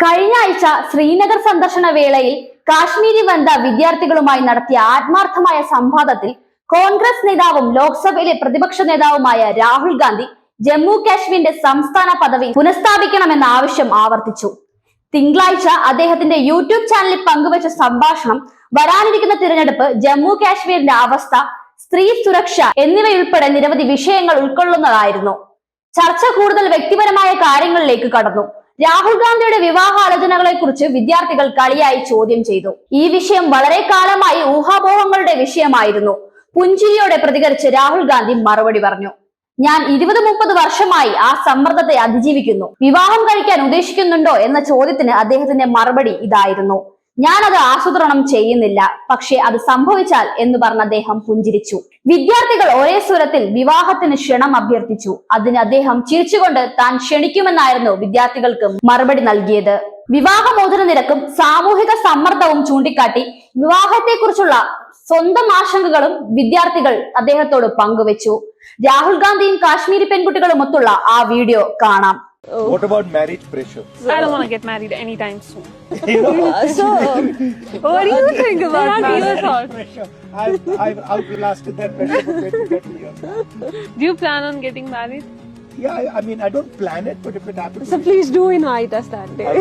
കഴിഞ്ഞ ആഴ്ച ശ്രീനഗർ സന്ദർശന വേളയിൽ കാശ്മീരി വനിത വിദ്യാർത്ഥികളുമായി നടത്തിയ ആത്മാർത്ഥമായ സംവാദത്തിൽ കോൺഗ്രസ് നേതാവും ലോക്സഭയിലെ പ്രതിപക്ഷ നേതാവുമായ രാഹുൽ ഗാന്ധി ജമ്മു കാശ്മീരിന്റെ സംസ്ഥാന പദവി പുനഃസ്ഥാപിക്കണമെന്ന ആവശ്യം ആവർത്തിച്ചു. തിങ്കളാഴ്ച അദ്ദേഹത്തിന്റെ യൂട്യൂബ് ചാനലിൽ പങ്കുവച്ച സംഭാഷണം വരാനിരിക്കുന്ന തിരഞ്ഞെടുപ്പ്, ജമ്മു കാശ്മീരിന്റെ അവസ്ഥ, സ്ത്രീ സുരക്ഷ എന്നിവയുൾപ്പെടെ നിരവധി വിഷയങ്ങൾ ഉൾക്കൊള്ളുന്നതായിരുന്നു. ചർച്ച കൂടുതൽ വ്യക്തിപരമായ കാര്യങ്ങളിലേക്ക് കടന്നു. രാഹുൽ ഗാന്ധിയുടെ വിവാഹാലോചനകളെ കുറിച്ച് വിദ്യാർത്ഥികൾ കളിയായി ചോദ്യം ചെയ്തു. ഈ വിഷയം വളരെ കാലമായി ഊഹാപോഹങ്ങളുടെ വിഷയമായിരുന്നു. പുഞ്ചിരിയോടെ പ്രതികരിച്ച് രാഹുൽ ഗാന്ധി മറുപടി പറഞ്ഞു. ഞാൻ 20-30 വർഷമായി ആ സമ്മർദ്ദത്തെ അതിജീവിക്കുന്നു. വിവാഹം കഴിക്കാൻ ഉദ്ദേശിക്കുന്നുണ്ടോ എന്ന ചോദ്യത്തിന് അദ്ദേഹത്തിന്റെ മറുപടി ഇതായിരുന്നു: ഞാനത് ആസൂത്രണം ചെയ്യുന്നില്ല, പക്ഷെ അത് സംഭവിച്ചാൽ എന്ന് പറഞ്ഞ അദ്ദേഹം പുഞ്ചിരിച്ചു. വിദ്യാർത്ഥികൾ ഒരേ സ്വരത്തിൽ വിവാഹത്തിന് ക്ഷണം അഭ്യർത്ഥിച്ചു. അതിന് അദ്ദേഹം ചിരിച്ചുകൊണ്ട് താൻ ക്ഷണിക്കുമെന്നായിരുന്നു വിദ്യാർത്ഥികൾക്ക് മറുപടി നൽകിയത്. വിവാഹമോചന നിരക്കും സാമൂഹിക സമ്മർദ്ദവും ചൂണ്ടിക്കാട്ടി വിവാഹത്തെക്കുറിച്ചുള്ള സ്വന്തം ആശങ്കകളും വിദ്യാർത്ഥികൾ അദ്ദേഹത്തോട് പങ്കുവച്ചു. രാഹുൽ ഗാന്ധിയും കാശ്മീരി പെൺകുട്ടികളുമൊത്തുള്ള ആ വീഡിയോ കാണാം. What about marriage pressure? I don't want to get married anytime soon. So, what do you think about marriage Pressure. I've outlasted that pressure for 20-30 years. Do you plan on getting married? Yeah, I mean, I don't plan it, but if it happens... So please do invite us that day.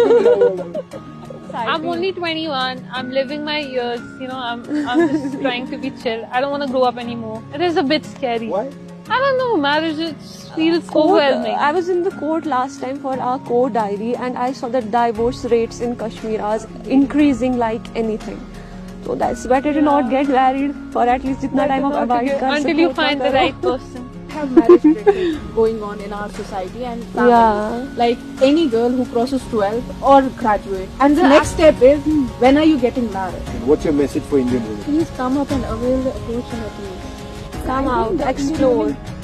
I'm only 21. I'm living my years. You know, I'm just trying to be chill. I don't want to grow up anymore. It is a bit scary. Why? I don't know. Marriage feels overwhelming. I was in the court last time for our court diary, and I saw that divorce rates in Kashmir are increasing like anything. So that's better to not get married for at least itna time of abide Until you find the right person. Have marriage pressure going on in our society and family. Yeah. Like any girl who crosses 12 or graduate. And the next step is, when are you getting married? What's your message for Indian women? Please come up and avail the opportunity. Come out, explore.